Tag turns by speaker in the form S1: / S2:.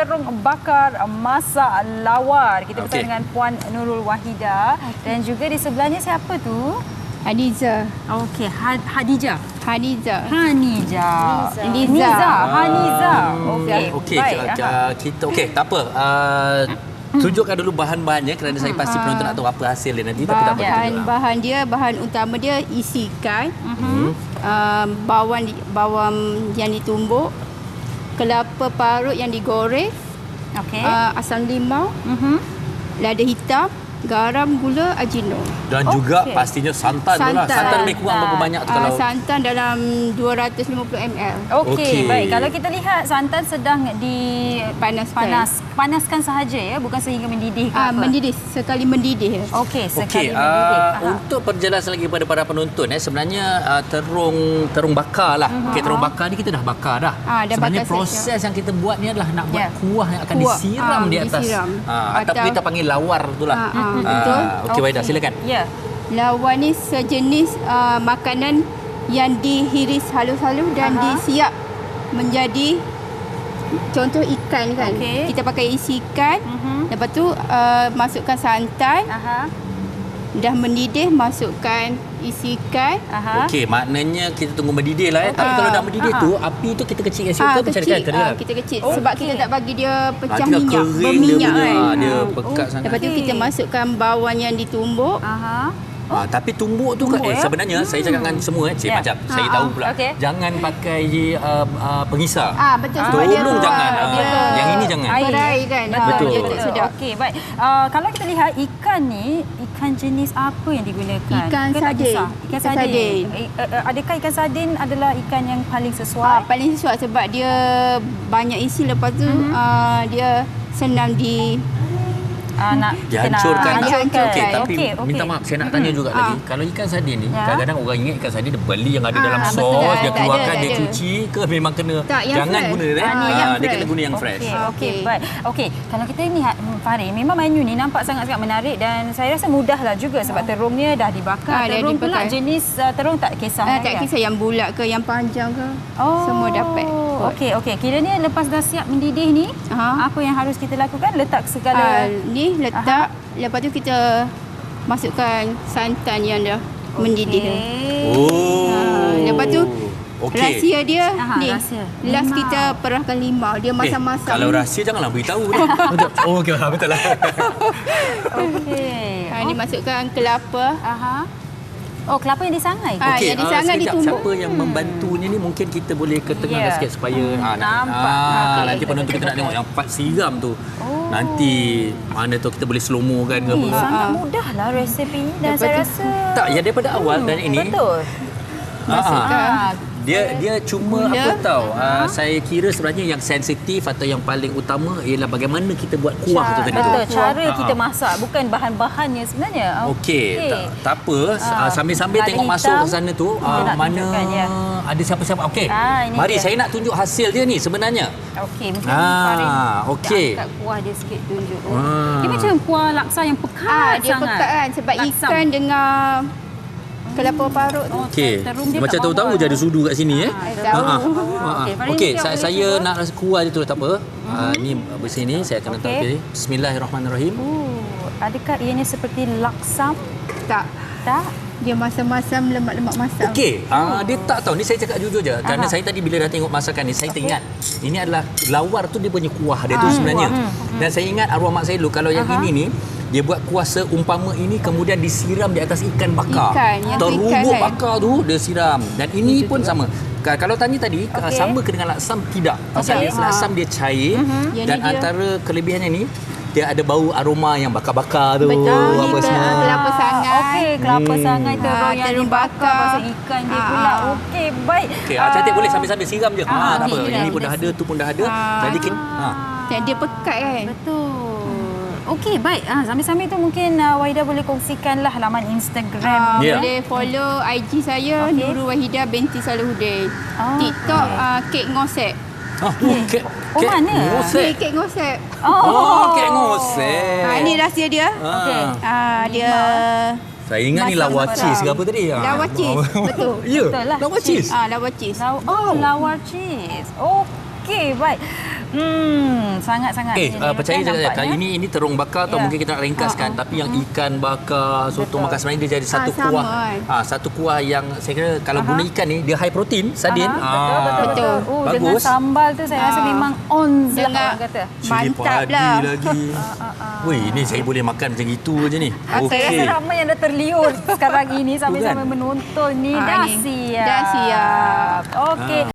S1: terung bakar masak lawar. Kita bersama dengan Puan Nurul Wahida dan juga di sebelahnya siapa tu?
S2: Haniza.
S1: Okey, Hadijah.
S2: Haniza.
S1: Haniza.
S2: Niza.
S1: Haniza.
S3: Okey, kita tak apa. Tunjukkan dulu bahan-bahannya kerana saya pasti penonton nak tahu apa hasil dia nanti. Tapi tak apa.
S2: Bahan utama dia isi ikan, bawang yang ditumbuk, kelapa parut yang digoreng, asam limau, lada hitam, garam, gula, ajino.
S3: Dan juga pastinya santan tu lah. Santan lebih kurang berapa banyak tu kalau?
S2: Santan dalam 250 ml.
S1: Okey, baik. Kalau kita lihat santan sedang panaskan sahaja ya, bukan sehingga mendidih ke apa?
S2: Mendidih, sekali mendidih.
S1: Okey, sekali mendidih.
S3: Untuk penjelasan lagi kepada para penonton sebenarnya terung bakar lah. Okey, terung bakar ni kita dah bakar dah. Sebenarnya proses yang kita buat ni adalah nak buat kuah yang akan disiram di atas. Ataupun kita panggil lawar tu lah.
S2: Betul.
S3: Okey, Wahida, silakan.
S1: Ya.
S2: Lawar ni sejenis makanan yang dihiris halus-halus dan disiap menjadi contoh ikan kan. Kita pakai isi ikan. Lepas tu masukkan santan. Dah mendidih, masukkan isi ikan.
S3: Okey, maknanya kita tunggu mendidih lah. Tapi kalau dah mendidih tu, api tu kita kecilkan sikit ke macam mana?
S2: Kita kecil. Sebab kita tak bagi dia pecah
S3: dia
S2: minyak,
S3: kering,
S2: berminyak
S3: dia
S2: kan.
S3: dia pekat sangat.
S2: Lepas tu kita masukkan bawang yang ditumbuk.
S3: Tapi tumbuk tu sebenarnya saya cakap dengan semua macam saya tahu pula. Jangan pakai pengisar.
S2: Betul.
S3: Tolong jangan. Yang ini jangan.
S2: Berai kan.
S3: Betul.
S2: Dia tak sedap.
S1: Okey, baik. Kalau kita lihat ikan ni, ikan jenis apa yang digunakan?
S2: Ikan sardin.
S1: Ikan sardin. Adakah ikan sardin adalah ikan yang paling sesuai?
S2: Paling sesuai sebab dia banyak isi, lepas tu dia senang
S3: dihancurkan.
S1: Okey,
S3: tapi minta maaf saya nak tanya juga lagi. Kalau ikan sardin ni, kadang-kadang orang ingat ikan sardin dia beli yang ada dalam sos, dia keluarkan, dia cuci ke memang kena jangan guna dia kena guna yang fresh.
S1: Okey, baik. Okey, kalau kita lihat Farid, memang menu ni nampak sangat-sangat menarik dan saya rasa mudahlah juga sebab terungnya dah dibakar. Terung pula jenis terung tak kisah.
S2: Tak kisah yang bulat ke yang panjang ke. Semua dapat.
S1: Okey. Kiranya lepas dah siap mendidih ni, apa yang harus kita lakukan? Letak segala
S2: ni letak, lepas tu kita masukkan santan yang dah mendidih. Lepas tu rahsia dia ni. Last kita perahkan limau. Dia masak-masak.
S3: Kalau rahsia janganlah beritahu dia. Okey, betul lah.
S1: Okey.
S2: Ni masukkan kelapa.
S1: Kelapa yang disangai.
S2: Yang disangai ditumbuk.
S3: Siapa yang membantunya ni mungkin kita boleh ketengahkan sikit supaya
S1: nampak.
S3: nanti penonton kita nak tengok yang part siram tu. Nanti mana tu kita boleh slow-mo kan ke apa.
S1: Sangat mudah lah resipi ni dan saya rasa
S3: daripada awal dan ini.
S1: Betul.
S3: Dia cuma apa tahu saya kira sebenarnya yang sensitif atau yang paling utama ialah bagaimana kita buat kuah tu tadi tu.
S1: Betul, cara kita masak bukan bahan-bahannya sebenarnya.
S3: Okey, tak apa, sambil-sambil tengok masuk ke sana tu mana ada siapa-siapa. Okey. Mari saya nak tunjuk hasil dia ni sebenarnya.
S1: Okey, mungkin Farid angkat kuah dia sikit tunjuk. Dia macam kuah laksa yang pekat
S2: dia
S1: sangat.
S2: Pekat kan sebab ikan dengan kelapa parut tu.
S3: Okey. Macam tahu-tahu je ada sudu kat sini Okey, saya nak rasa kuah dia tu tak apa. Ni bersih ni saya akan letak. Bismillahirrahmanirrahim.
S1: Adakah ianya seperti laksam? Tak.
S2: Dia masam-masam, lemak-lemak masam.
S3: Okey, dia tak tahu. Ni saya cakap jujur je. Kerana saya tadi bila dah tengok masakan ni, saya teringat. Ini adalah lawar tu dia punya kuah dia tu sebenarnya. Dan saya ingat arwah mak saya dulu, kalau yang ini ni, dia buat kuah seumpama ini kemudian disiram di atas ikan bakar. Terubuk bakar tu dia siram. Dan ini pun sama. Kalau tanya tadi, sama ke dengan laksam? Tidak. Pasal laksam dia cair. Dan antara kelebihannya ni, dia ada bau aroma yang bakar-bakar tu.
S2: Betul.
S3: Apa semua.
S2: Kelapa sangai.
S1: Okey, kelapa sangai terung yang dibakar. Pasal ikan dia pula. Okey, baik.
S3: Okey, cantik boleh sambil-sambil siram je. Tak apa. Ini pun dah ada, tu pun dah ada. Jadi
S2: dia pekat kan.
S1: Betul. Okey, baik. Sambil-sambil tu mungkin Wahida boleh kongsikanlah laman Instagram.
S2: Boleh follow IG saya Nurul Wahida binti Salahuddin. TikTok Kek Ngosek.
S3: Kek
S1: mana?
S2: Kek Ngosek.
S3: Kek ngosek.
S2: Ini rahsia dia. Dia
S3: saya ingat ni lawar cheese ke apa tadi?
S2: Lawar cheese. Betul.
S3: Ya. Lawar cheese.
S2: Lawar cheese.
S1: Lawar cheese. Okey, baik. Sangat-sangat.
S3: Percaya je kali ini terung bakar atau mungkin kita nak ringkaskan, tapi yang ikan bakar, soto bakar sebenarnya dia jadi satu kuah. Satu kuah yang saya kira kalau guna ikan ni dia high protein, sardin.
S2: Betul.
S1: Dengan sambal tu saya rasa memang on lah kata.
S2: Mantap lah.
S3: Lagi. Wih, ni saya boleh makan macam itu je ni.
S1: Saya rasa ramai yang dah terliur sekarang ini sambil-sambil menonton ni. Dah siap.
S2: Dah siap.
S1: Okey.